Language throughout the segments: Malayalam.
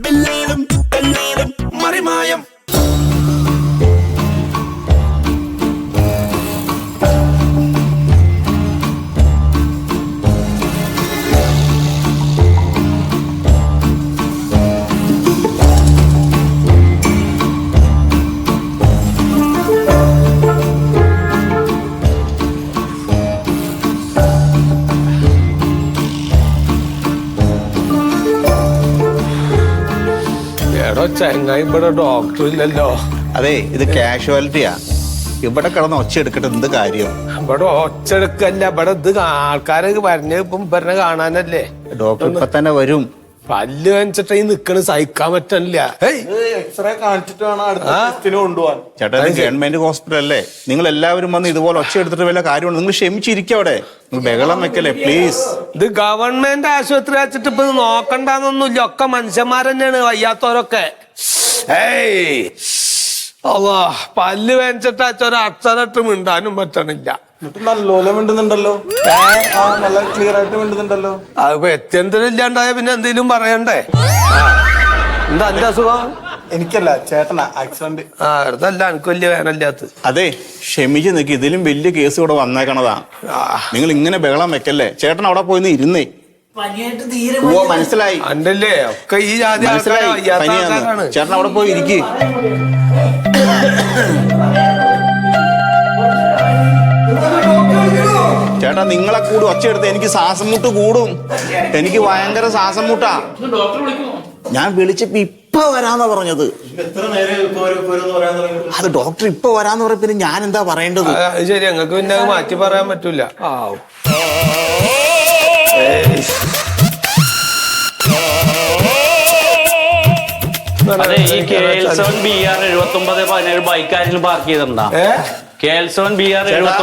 എല്ലാരും മറിമായം. ചെങ്ങായി ഇവിടെ ഡോക്ടർ ഇല്ലല്ലോ. അതെ, ഇത് കാഷ്വാലിറ്റിയാ. ഇവിടെ കിടന്ന് ഒച്ച എടുക്കട്ടെ, എന്ത് കാര്യം? ഇവിടെ ഒച്ച എടുക്കല്ല, ഇവിടെ ഇത് ആൾക്കാരൊക്കെ പറഞ്ഞ ഇപ്പം പറഞ്ഞ കാണാനല്ലേ. ഡോക്ടർ ഇപ്പൊ തന്നെ വരും. പല്ല് വെച്ചിട്ട് ഈ നിക്കണ് സഹിക്കാൻ പറ്റണില്ല. എക്സ്റേ കാണിച്ചിട്ട് വേണം അടുത്ത ടെസ്റ്റിന് കൊണ്ടുപോകാൻ. ചേട്ടാ, ഇത് ഗവൺമെന്റ് ഹോസ്പിറ്റൽ അല്ലേ? നിങ്ങൾ എല്ലാവരും വന്ന് ഇതുപോലെ ഒച്ച എടുത്തിട്ട് വല്ല കാര്യമുണ്ട്? നിങ്ങൾ ക്ഷമിച്ചിരിക്കും അവിടെ. നിങ്ങൾ ബഹളം വെക്കല്ലേ പ്ലീസ്. ഇത് ഗവൺമെന്റ് ആശുപത്രി വെച്ചിട്ട് ഇപ്പൊ നോക്കണ്ടെന്നൊന്നുമില്ല. ഒക്കെ മനുഷ്യന്മാരെന്നെയാണ് വയ്യാത്തവരൊക്കെ. അള്ളാ, പല്ല് വെച്ചിട്ട് അച്ഛൻ അക്ഷരട്ട് മിണ്ടാനും പറ്റണില്ല. എന്നിട്ട് നല്ലോണം മിണ്ടുന്നുണ്ടല്ലോ, നല്ല ക്ലിയർ ആയിട്ട് മിണ്ടുന്നുണ്ടല്ലോ. അതിപ്പോ എത്തിയന്തരില്ലാണ്ടായ പിന്നെ എന്തെങ്കിലും പറയണ്ടേ? എന്താ എന്റെ അസുഖം? എനിക്കല്ല, ചേട്ടനാ ആക്സിഡന്റ്. അതല്ല, എനിക്ക് വലിയ വേനല്ലാത്ത. അതെ, ക്ഷമിച്ച് നിൽക്കി. ഇതിലും വലിയ കേസ് ഇവിടെ വന്നേക്കണതാ. നിങ്ങൾ ഇങ്ങനെ ബഹളം വെക്കല്ലേ. ചേട്ടൻ അവിടെ പോയിന്ന് ഇരുന്നേ. ഓ, മനസ്സിലായി. അണ്ടല്ലേ ഒക്കെ ഈ ജാതി മനസ്സിലായി, പനിയാണ്. ചേട്ടൻ അവിടെ പോയി ഇരിക്ക്. ചേട്ടാ, നിങ്ങളെ കൂടി ഒച്ചയെടുത്ത് എനിക്ക് ശ്വാസം മുട്ട് കൂടും. എനിക്ക് ഭയങ്കര ശ്വാസം മുട്ടാ. ഞാൻ വിളിച്ചപ്പോ ഇപ്പൊ വരാന്നാ പറഞ്ഞത്. അത് ഡോക്ടർ ഇപ്പൊ വരാന്ന് പറഞ്ഞ പിന്നെ ഞാൻ എന്താ പറയേണ്ടത്? ശരി, ഞങ്ങൾക്ക് പിന്നെ അത് മാറ്റി പറയാൻ പറ്റൂല. അതെ, ഈ KL7 BR 7917 ബൈക്ക് ആരെങ്കിലും പാർക്ക് ചെയ്തിട്ടുണ്ടോ? KL7 BR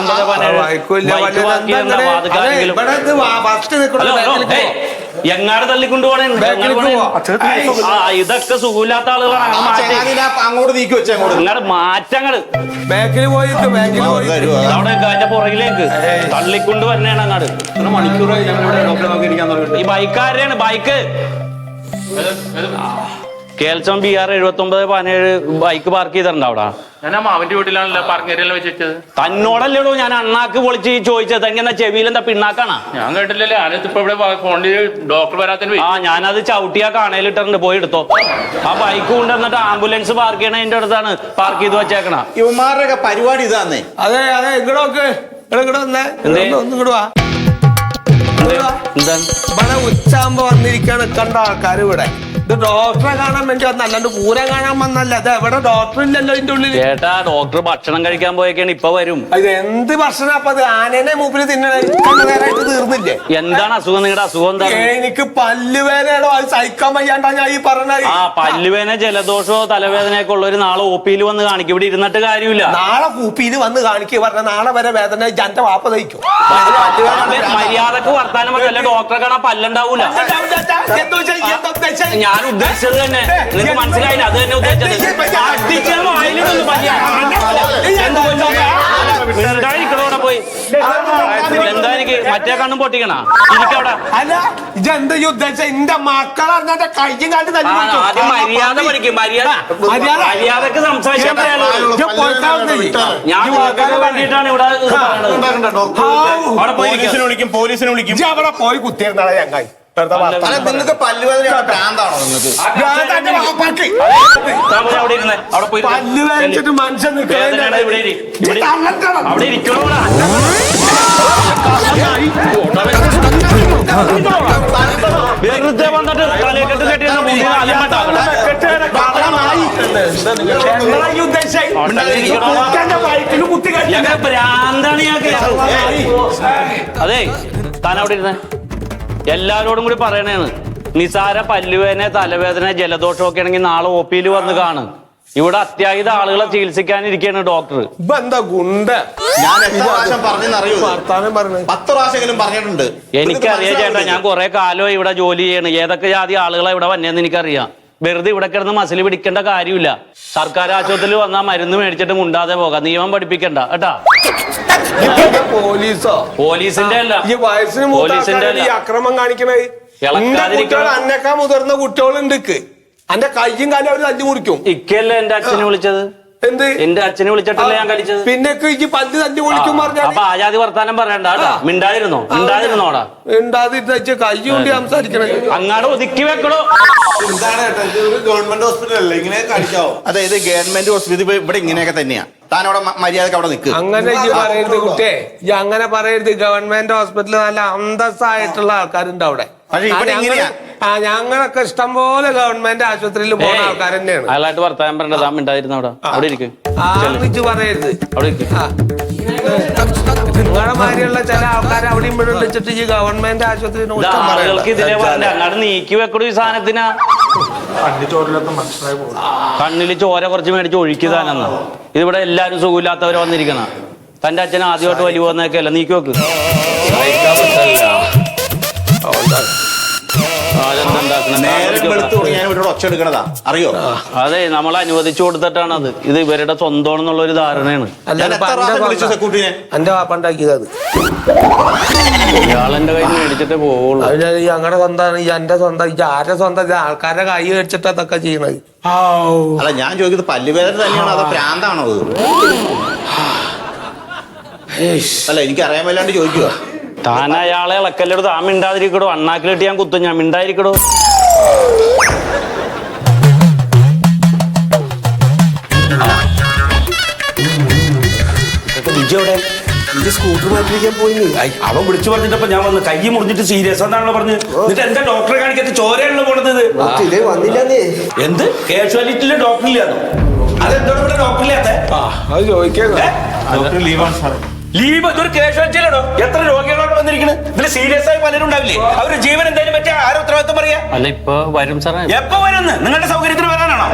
7917 എങ്ങാട് തള്ളിക്കൊണ്ടു പോണേ. ഇതൊക്കെ സുഖമില്ലാത്ത ആളുകളാണ്. അങ്ങോട്ട് നീക്കി വെച്ചാൽ അങ്ങോട്ട് മാറ്റങ്ങള് ബാക്കിൽ പോയിട്ട് അവിടെ അതിന്റെ പുറകിലേക്ക് തള്ളിക്കൊണ്ട് വരണേണ്. അങ്ങാട് മണിക്കൂറായി ഞങ്ങളിവിടെ ഡോക്ടറെ നോക്കി ഇരിക്കാൻ തുടങ്ങി. ഈ ബൈക്കാരുടെയാണ് bike. KL7 BR 7917 bike park ചെയ്തിട്ടുണ്ടോ അവിടെ? ഞാൻ മാവന്റെ വീട്ടിലാണല്ലോ പാർക്കിംഗ് വെച്ചത്. തന്നോടല്ലേടോ ഞാൻ അണ്ണാക്ക് പൊളിച്ച് ചോദിച്ചത്. എങ്ങനെ ചെവിയിൽ എന്താ പിണ്ണാക്കാണാ? ഞാൻ കേട്ടില്ലല്ലേ. ഞാനിപ്പോ ഇവിടെ ഫോണിൽ ഡോക്ടർ വരാത്തിന്. ഞാനത് ചവിട്ടിയാ കാണയിലിട്ടുണ്ട്, പോയി എടുത്തോ. ആ ബൈക്ക് കൊണ്ടുവന്നിട്ട് ആംബുലൻസ് പാർക്ക് ചെയ്യണ എന്റെ അടുത്താണ് പാർക്ക് ചെയ്ത് വെച്ചേക്കണ. ഇവന്മാരുടെ പരിപാടി ഇതാന്നേ. അതെ അതെ, ഇങ്ങോട്ട് ഇങ്ങോട്ട് വാ. എന്താണ് ഇവിടെ ഉച്ചാകുമ്പോ വന്നിരിക്കാണ് കണ്ട ആൾക്കാർ ഇവിടെ. ഇത് ഡോക്ടറെ കാണാൻ വേണ്ടി വന്ന, അല്ലാണ്ട് പൂരം കാണാൻ വന്നല്ല. അത് എവിടെ ഡോക്ടർ ഇല്ലല്ലോ ഇതിന്റെ ഉള്ളിൽ. ചേട്ടാ, ഡോക്ടർ ഭക്ഷണം കഴിക്കാൻ പോയേക്കാണ്, ഇപ്പൊ വരും. ഇത് എന്ത് ഭക്ഷണം? അപ്പൊ അത് ആനേനെ മൂപ്പില് തിന്നണേ നേരമായിട്ട് തീർന്നില്ലേ? എന്താണ് അസുഖം? നിങ്ങളുടെ അസുഖം എന്താണ്? എനിക്ക് പല്ലുവേനയാണോ, അത് സഹിക്കാൻ വയ്യാണ്ടാ ഞാൻ ഈ പറഞ്ഞത്. പല്ലുവേന, ജലദോഷമോ തലവേദനയൊക്കെ ഉള്ളവര് നാളെ OP-യിൽ വന്ന് കാണിക്കും. ഇവിടെ ഇരുന്നിട്ട് കാര്യമില്ല. നാളെ OP-യിൽ വന്ന് കാണിക്കുക പറഞ്ഞ നാളെ വരെ വേദന എന്റെ വാപ്പ തയ്ക്കും. മര്യാദക്ക് വർത്താനം പറയല്ല. ഡോക്ടറെ കാണാൻ പല്ലുണ്ടാവൂല. ഞാൻ ഉദ്ദേശിച്ചത് തന്നെ നിങ്ങൾക്ക് മനസ്സിലായില്ല. അത് തന്നെ ഉദ്ദേശിച്ചത്. എന്തായിരിക്കണോടെ പോയി എന്താ? എനിക്ക് മറ്റേ കണ്ണും പൊട്ടിക്കണ എനിക്കവിടെ. അല്ല, ഇതെന്താ ഉദ്ദേശിച്ച? എന്റെ മക്കളറിഞ്ഞ കയ്യും കാട്ടി ആദ്യം മര്യാദ പഠിക്കും. മര്യാദക്ക് സംസാരിക്കാൻ പറയാലോ. ഞാൻ വേണ്ടിയിട്ടാണ് ഇവിടെ അവിടെ പോലീസിനെ വിളിക്കും. അവിടെ പോയി കുത്തിയിരുന്നാളെ ചങ്ങായി. നിങ്ങൾക്ക് പല്ലുവേദന ഭ്രാന്താണോ? നിങ്ങൾക്ക് അവിടെ പോയി പല്ല് വേദനിച്ചിട്ട് മനുഷ്യൻ അവിടെ ഇരിക്കണോ? വെറുതെ വന്നിട്ട് തലക്കെട്ട് കെട്ടിയ ഭ്രാന്താണ് ഞങ്ങൾക്ക്. അതെ, താൻ അവിടെ ഇരുന്നേ. എല്ലാരോടും കൂടി പറയണേന്ന്, നിസാര പല്ലുവേദന, തലവേദന, ജലദോഷം ഒക്കെ ആണെങ്കിൽ നാളെ OP-യിൽ വന്ന് കാണും. ഇവിടെ അത്യാഹിത ആളുകളെ ചികിത്സിക്കാനിരിക്കുകയാണ് ഡോക്ടർ. എന്താ ഗുണ്ട? ഞാൻ എത്ര പ്രാവശ്യം പറഞ്ഞറിയൂ? 10 പ്രാവശ്യമെങ്കിലും പറഞ്ഞിട്ടുണ്ട്. എനിക്കറിയാം ചേട്ടാ, ഞാൻ കുറെ കാലം ഇവിടെ ജോലി ചെയ്യണം. ഏതൊക്കെ ജാതി ആളുകളെ ഇവിടെ വന്നേന്ന് എനിക്കറിയാം. വെറുതെ ഇവിടെ കിടന്ന് മസിൽ പിടിക്കേണ്ട കാര്യമില്ല. സർക്കാർ ആശുപത്രിയിൽ വന്നാൽ മരുന്ന് മേടിച്ചിട്ട് മുണ്ടാതെ പോകാം. നിയമം പഠിപ്പിക്കണ്ട കേട്ടാ. പോലീസോ? പോലീസിന്റെ അല്ല, ഈ വയസ്സിന് പോലീസിന്റെ അക്രമം കാണിക്കണേ. അന്നേക്കാ മുതിർന്ന കുട്ടികളുണ്ട്. അന്റെ കയ്യും കാലും അവര് തല്ലി മുറിക്കും. ഇക്കല്ലേ എന്റെ അച്ഛനെ വിളിച്ചത്? എന്ത് എന്റെ അച്ഛനെ വിളിച്ചിട്ടല്ലേ ഞാൻ കളിച്ചത്? പിന്നെ ഈ പല്ല് തല്ലി മുറിക്കും പറഞ്ഞാൽ അപ്പൊ ആജാതി വർത്താനം പറയണ്ട കേട്ടാ. മിണ്ടാതിരുന്നോടാ. മിണ്ടാതിരുന്ന കൈ കൊണ്ട് സംസാരിക്കണേ. അങ്ങാട് ഒതുക്കി വെക്കണോ? എന്താണ് ഏട്ടാ, ഇത് ഒരു ഗവൺമെന്റ് ഹോസ്പിറ്റൽ അല്ലേ, ഇങ്ങനെ കാണിക്കാവോ? അതെ, ഇത് ഗവൺമെന്റ് ഹോസ്പിറ്റൽ ഇവിടെ ഇങ്ങനെയൊക്കെ തന്നെയാ. താൻ അവിടെ മര്യാദക്ക് അവിടെ നിൽക്കുക. അങ്ങനെ ഈ പറയരുത് കുട്ടിയെ, ഈ അങ്ങനെ പറയരുത്. ഗവൺമെന്റ് ഹോസ്പിറ്റലിൽ നല്ല അന്തസ്സായിട്ടുള്ള ആൾക്കാരുണ്ട് അവിടെ. പക്ഷെ ഇവിടെ ഇങ്ങനെയാ. ഞങ്ങളൊക്കെ ഇഷ്ടം പോലെ ഗവൺമെന്റ് ആശുപത്രിയിൽ പോകുന്ന ആൾക്കാർ തന്നെയാണ്. അയാളായിട്ട് വർത്താനം പറയണ്ട. താൻ മിണ്ടാതിരുന്ന അവിടെ ഇരിക്കും. ആർമിച്ച് പറയരുത്. അവിടെ ഇരിക്കും. നിങ്ങളെ മാതിരിയുള്ള ചില ആൾക്കാർ അവിടെ ഇവിടെ വിളിച്ചിട്ട് ഈ ഗവൺമെന്റ് ആശുപത്രി ആളുകൾക്ക് ഇതിലെ പറഞ്ഞ അങ്ങാട് നീക്കി വെക്കണു. ഈ സാധനത്തിനാ കണ്ണില് ചോര കുറച്ച് മേടിച്ച് ഒഴുക്കിയതാനെന്നാ. ഇതിവിടെ എല്ലാരും സുഖമില്ലാത്തവര് വന്നിരിക്കണ. തന്റെ അച്ഛൻ ആദ്യമായിട്ട് വലിയ വന്നൊക്കെ അല്ല. നീക്കി വെക്ക്. നേരം വെളുത്ത് ഞാൻ ഇവിടെ ഒച്ച എടുക്കണതാ, അറിയോ? അതെ, നമ്മൾ അനുവദിച്ചു കൊടുത്തിട്ടാണ് അത്. ഇത് ഇവരുടെ സ്വന്തമാണെന്നുള്ള ഒരു ധാരണയാണ്. എന്റെ വാപ്പണ്ടാക്കിയത്. ഇയാളെന്റെ കയ്യിൽ മേടിച്ചിട്ടേ പോവുള്ളൂ. അതിന് ഞങ്ങളുടെ സ്വന്തമാണ്. ഈ എന്റെ സ്വന്തം, ഈ ആരുടെ സ്വന്തം? ആൾക്കാരുടെ കൈ മേടിച്ചിട്ട് അതൊക്കെ ചെയ്യണത്. അല്ല, ഞാൻ ചോദിക്കുന്നത് പല്ലുവേദന തന്നെയാണോ അതോ പ്രാന്താണോ അത്? അല്ല, എനിക്ക് അറിയാൻ വല്ലാണ്ട് ചോദിക്കുക. താൻ അയാളെ ഇളക്കല്ലോ. താൻ മിണ്ടാതിരിക്കടോ. അണ്ണാക്കിലിട്ട് ഞാൻ കുത്തും. ഞാൻ മിണ്ടായിരിക്കടോ. സ്കൂട്ടർ മാറ്റിരിക്കാൻ പോയി. അവൻ വിളിച്ചു പറഞ്ഞിട്ടപ്പോ ഞാൻ വന്ന് കൈ മുറിഞ്ഞിട്ട് സീരിയസ് ആണല്ലോ പറഞ്ഞ്. എന്നിട്ട് എന്താ ഡോക്ടറെ കാണിക്കാത്ത ചോരയാണല്ലോ പോണത്? എന്ത് കാഷ്വാലിറ്റിയിലെ ഡോക്ടർ ഇല്ലാന്നോ? അതെന്തോടെ ഇവിടെ ഡോക്ടർ ഇല്ലാത്ത? അത് ചോദിക്കാൻ ഡോക്ടർ ലീവാണ് സാറേ. ലീവ്? ഇതൊരു കാഷ്വാലിറ്റിയിലാണോ? എത്ര രോഗികളോട് വന്നിരിക്കുന്നത്? ഇതിൽ സീരിയസ് ആയി പലരും ഉണ്ടാവില്ലേ? അവര് ജീവൻ എന്തായാലും പറ്റിയ ആരോ ഉത്തരവാദിത്വം പറയാ? അല്ല, ഇപ്പൊ വരും സാറേ. എപ്പോ വരുന്ന്? നിങ്ങളുടെ സൗകര്യത്തിന് വരാനാണോ?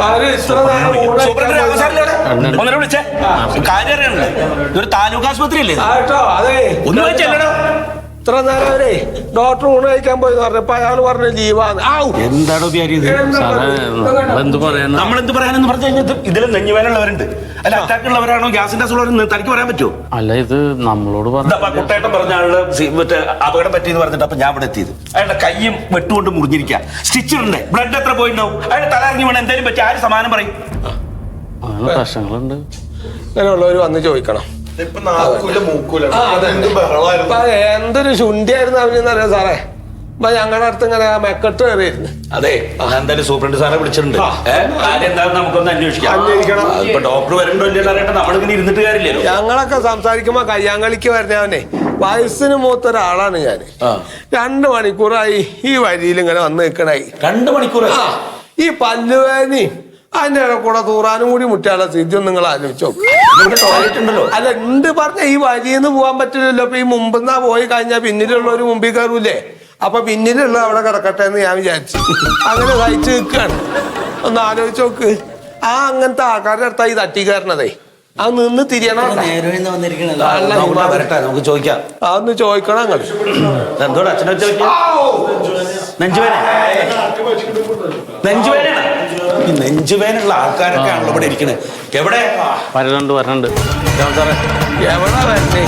ഒന്നിനെ വിളിച്ചേ. കാര്യം അറിയണല്ലോ. ഇതൊരു താലൂക്ക് ആശുപത്രി അല്ലേ? അതെ, ഒന്ന് വെച്ചല്ലോ. ഇത്ര നേരം അവരെ ഡോക്ടർ ഊണ് കഴിക്കാൻ പോയി പറഞ്ഞപ്പോ അയാൾ പറഞ്ഞ ലീവാണ്. എന്താണോ എന്ത് പറയാൻ? നമ്മളെന്ത് പറയാനെന്ന് പറഞ്ഞു കഴിഞ്ഞാൽ ഇതിൽ നെഞ്ഞുവേനുള്ളവരുണ്ട്. അല്ല, അറ്റാക്ക് ഉള്ളവരാണോ ഗ്യാസിന്റെ അസുഖമുള്ളവരെന്ന് തനിക്ക് പറയാൻ പറ്റുമോ? അല്ല, ഇത് നമ്മളോട് പറഞ്ഞു. കുട്ടേട്ടൻ പറഞ്ഞ ആളുടെ മറ്റേ അപകടം പറ്റിയെന്ന് പറഞ്ഞിട്ട് അപ്പൊ ഞാൻ ഇവിടെ എത്തിയത്. അയാളുടെ കയ്യും വെട്ടുകൊണ്ട് മുറിഞ്ഞിരിക്കുക. സ്റ്റിച്ചിടണ്ടേ? ബ്ലഡ് എത്ര പോയിട്ടുണ്ടാവും? അയാളുടെ തല ഇറങ്ങി വേണം. എന്തായാലും പറ്റി ആര് സമാനം പറയും? അങ്ങനെ പ്രശ്നങ്ങളുണ്ട്. അങ്ങനെയുള്ളവര് വന്ന് ചോദിക്കണം. ഇപ്പൊ നാക്കൂല മൂക്കൂല ബഹളമായിരുന്നു. എന്തൊരു ശുണ്ഠിയായിരുന്നു അവനെന്നറിയാം സാറേ. അപ്പൊ ഞങ്ങളുടെ അടുത്ത് ഇങ്ങനെ മെക്കെട്ട് കയറിയിരുന്നു. അതെ, ഞാൻ എന്തായാലും സൂപ്രണ്ട് സാറെ വിളിച്ചിട്ടുണ്ട്. കാര്യം എന്താണെന്ന് നമുക്കൊന്ന് അന്വേഷിക്കണം. ഇപ്പൊ ഡോക്ടർ വരണ്ടോ ഇല്ലല്ലോ അറിയട്ടെ. നമ്മളിങ്ങനെ ഇരുന്നിട്ട് കാര്യമില്ലല്ലോ. ഞങ്ങളൊക്കെ സംസാരിക്കുമ്പോ കയ്യാങ്കളിക്ക് വരുന്നവനെ വയസ്സിന് മൂത്തൊരാളാണ് ഞാൻ. 2 മണിക്കൂറായി ഈ വരിയിൽ ഇങ്ങനെ വന്ന് നിൽക്കണായി. 2 മണിക്കൂർ ഈ പല്ലുവേദനയും അതിന്റെ കൂടെ തൂറാനും കൂടി മുറ്റാനുള്ള സ്ഥിതി നിങ്ങൾ ആലോചിച്ചോ. ടോയ്ലറ്റ് ഉണ്ടല്ലോ. അല്ല, ഉണ്ട് പറഞ്ഞ ഈ വരിന്ന് പോകാൻ പറ്റില്ലല്ലോ. അപ്പൊ ഈ മുമ്പെന്നാ പോയി കഴിഞ്ഞാൽ പിന്നിലുള്ളവര് മുമ്പിൽ കയറൂലേ. അപ്പൊ പിന്നിലുള്ള അവിടെ കിടക്കട്ടെ എന്ന് ഞാൻ വിചാരിച്ചു. അങ്ങനെ സഹിച്ചു നിൽക്കാണ്. ഒന്ന് ആലോചിച്ച് നോക്ക്. അങ്ങനത്തെ ആൾക്കാരുടെ അടുത്താ ഈ തട്ടി കയറണതേ. അത് നിന്ന് തിരിയണം. വരട്ടെ, നമുക്ക് ചോദിക്കാം. അതൊന്ന് ചോദിക്കണം നിങ്ങൾ. എന്തോടെ അച്ഛനെ ചോദിക്കാം. നെഞ്ചുവേന ഈ നെഞ്ചുവേനുള്ള ആൾക്കാരൊക്കെ ആണല്ലോ ഇവിടെ ഇരിക്കണേ. എവിടെ വരണുണ്ട് സാറേ? എവിടെ വരണേ?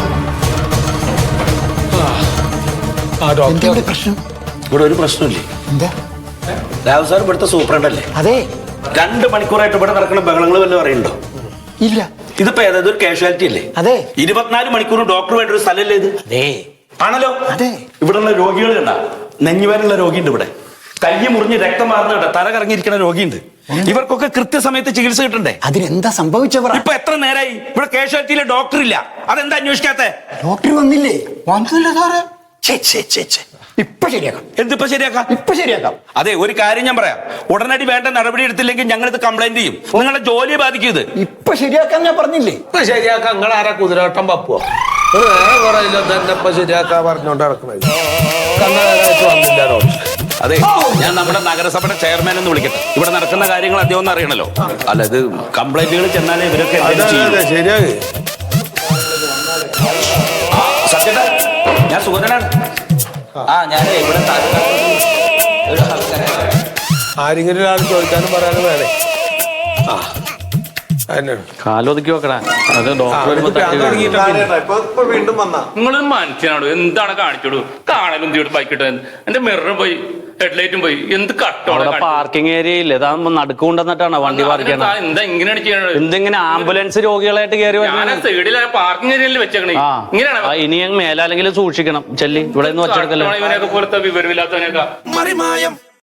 ഇവിടെ ഒരു പ്രശ്നമില്ലേ? രാഹുൽ സാർ ഇവിടുത്തെ സൂപ്രണ്ടല്ലേ? അതെ. 2 മണിക്കൂറായിട്ട് ഇവിടെ നടക്കുന്ന ബഹളങ്ങൾ വല്ലതും അറിയണ്ടോ? ഇല്ല. ഇതിപ്പോ ഏതായത് ഒരു കാഷ്വാലിറ്റി അല്ലേ? അതെ. 24 മണിക്കൂർ ഡോക്ടർ വേണ്ട ഒരു സ്ഥലമല്ലേ ഇത്? അതെ. ആണല്ലോ. അതെ. ഇവിടെയുള്ള രോഗികൾ കണ്ട നെഞ്ഞുവേനുള്ള രോഗിയുണ്ട് ഇവിടെ. കൈ മുറിഞ്ഞ് രക്തം മാറുന്നുണ്ട്. തല കറങ്ങിയിരിക്കുന്ന രോഗിയുണ്ട്. ഇവർക്കൊക്കെ കൃത്യസമയത്ത് ചികിത്സ കിട്ടണ്ടേ? അതിനെന്താ സംഭവിച്ചവർ? ഇപ്പൊ എത്ര നേരമായി ഇവിടെ കാഷ്വാലിറ്റിയിലെ ഡോക്ടർ ഇല്ല? അതെന്താ അന്വേഷിക്കാത്ത? ഡോക്ടർ വന്നില്ലേ? വന്നില്ല സാറേ. ഇപ്പൊ ശരിയാക്കാം. എന്തിപ്പോ ശരിയാക്കാം? ഇപ്പൊ ശരിയാക്കാം. അതെ, ഒരു കാര്യം ഞാൻ പറയാം. ഉടനടി വേണ്ട നടപടി എടുത്തില്ലെങ്കിൽ ഞങ്ങൾ ഇത് കംപ്ലൈന്റ് ചെയ്യും. നിങ്ങളുടെ ജോലിയെ ബാധിക്കും ഇത്. ഇപ്പൊ ശരിയാക്കാൻ ഞാൻ പറഞ്ഞില്ലേ? ഇപ്പൊ ശരിയാക്കാം. നിങ്ങൾ ആരാ കുതിരവട്ടം പപ്പുവോ? വേറെ കുറയില്ല. തന്നെ ഇപ്പൊ ശരിയാക്കാ പറഞ്ഞോണ്ട് നടക്കണത്. വന്നില്ല ഡോക്ടർ. അതെ, ഞാൻ നമ്മുടെ നഗരസഭയുടെ ചെയർമാൻ എന്ന് വിളിക്കട്ടെ. ഇവിടെ നടക്കുന്ന കാര്യങ്ങൾ അദ്ദേഹം ഒന്ന് അറിയണല്ലോ. അല്ല, ഇത് കംപ്ലൈന്റുകൾ ചെന്നാലേ ഇവരൊക്കെ ശരിയായി. സത്യത, ഞാൻ സുഗതനാണ്. ഞാൻ ഇവിടെ ആരെങ്കിലും ഒരാൾ ചോദിക്കാനും പറയാനും വേണേ. കാലൊതുക്കി വെക്കടാ. അത് ഡോക്ടർ ഇപ്പൊ വീണ്ടും വന്നാ നിങ്ങളൊരു മനുഷ്യനാണോ? എന്താണ് കാണിച്ചോളൂ? കാണലും തീട്ട് ബൈക്കിട്ട് എന്റെ മിറർ പോയി. ഹെഡ്ലൈറ്റും പോയി. എന്ത് അവിടെ പാർക്കിംഗ് ഏരിയ ഇല്ല, ഇതാകുമ്പോ നടുക്കുകൊണ്ടെന്നിട്ടാണ് വണ്ടി പാർക്ക് ചെയ്യണം. എന്താ ഇങ്ങനെയാണ് ചെയ്യണത്? എന്തിങ്ങനെ ആംബുലൻസ് രോഗികളായിട്ട് കയറി സൈഡിൽ പാർക്കിംഗ് ഏരിയയിൽ വെച്ചേക്കണേ. ഇങ്ങനെയാണ് ഇനി മേലാലെങ്കിലും സൂക്ഷിക്കണം. ചെല്ലി ഇവിടെ നിന്ന് വെച്ചെടുക്കല്ലോ. ഇവനെയൊക്കെ പോലത്തെ വിവരമില്ലാത്തവനെയൊക്കെ.